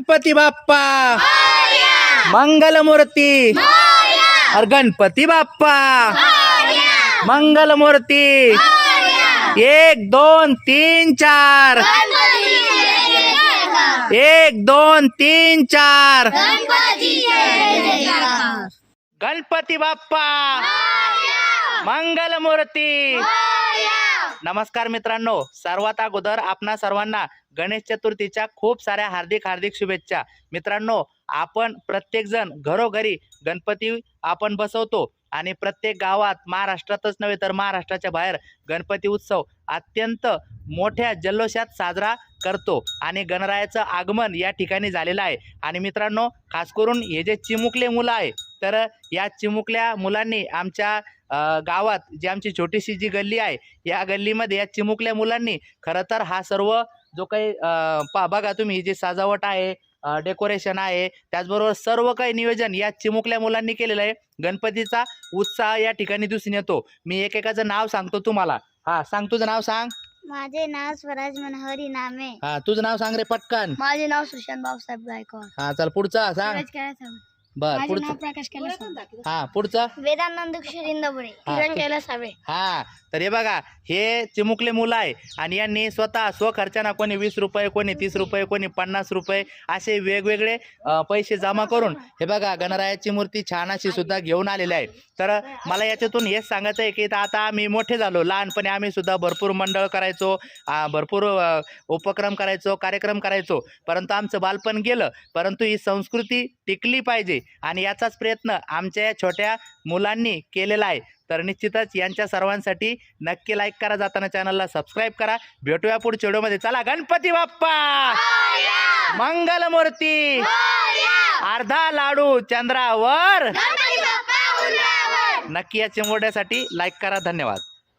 गणपती बाप्पा मंगलमूर्ती और गणपती बाप्पा मंगलमूर्ती 1 2 3 4 1 2 3 4 गणपती बाप्पा मंगलमूर्ती। नमस्कार मित्रांनो, सर्वात अगोदर आपणा सर्वांना गणेश चतुर्थीच्या खूप साऱ्या हार्दिक शुभेच्छा। मित्रांनो, आपण प्रत्येक जण घरोघरी गणपती आपण बसवतो आणि प्रत्येक गावात महाराष्ट्रातच नव्हे तर महाराष्ट्राच्या बाहेर गणपती उत्सव अत्यंत मोठ्या जल्लोषात साजरा करतो आणि गणरायाचं आगमन या ठिकाणी झालेलं आहे। आणि मित्रांनो, खास करून हे जे चिमुकले मुलं आहे, तर या चिमुकल्या मुलांनी आमच्या गावात जी आमची छोटीशी जी गल्ली आहे, या गल्लीमध्ये या चिमुकल्या मुलांनी खरं तर हा सर्व जो काही बघा तुम्ही ही जी सजावट आहे, डेकोरेशन आहे, त्याचबरोबर सर्व काही नियोजन या चिमुकल्या मुलांनी केलेलं आहे। गणपतीचा उत्साह या ठिकाणी दिसून येतो। मी एकेकाचं नाव सांगतो तुम्हाला। हा सांग, तुझं नाव सांग। माझे नाव स्वराज मनोहरी नामे। हा तुझं नाव सांग रे पटकन। माझे नाव सुशांत भाऊसाहेब गायकवाड। हा चल पुढचा सांग। बर पुढचं प्रकाश कैलास। हा पुढचं वेदानंद इंदपुरे। किरण कैलास साबळे। हा तर हे बघा, हे चिमुकले मुलं आहे आणि यांनी स्वतः स्वखर्चानं कोणी 20 रुपये, कोणी 30 रुपये, कोणी 50 रुपये असे वेगवेगळे पैसे जमा करून हे बघा गणरायाची मूर्ती छान अशी सुद्धा घेऊन आलेली आहे। तर मला याच्यातून हेच सांगायचं आहे की आता आम्ही मोठे झालो, लहानपणी आम्ही सुद्धा भरपूर मंडळ करायचो, भरपूर उपक्रम करायचो, कार्यक्रम करायचो, परंतु आमचं बालपण गेलं। परंतु ही संस्कृती टिकली पाहिजे आणि याचाच प्रयत्न आमच्या या छोट्या मुलांनी केलेला आहे। तर निश्चितच यांच्या सर्वांसाठी नक्की लाईक करा, जाताना चॅनलला सबस्क्राईब करा। भेटूया पुढच्या व्हिडिओमध्ये। चला, गणपती बाप्पा मंगलमूर्ती, अर्धा लाडू चंद्रावर। नक्की या चिमुरड्यासाठी लाईक करा। धन्यवाद।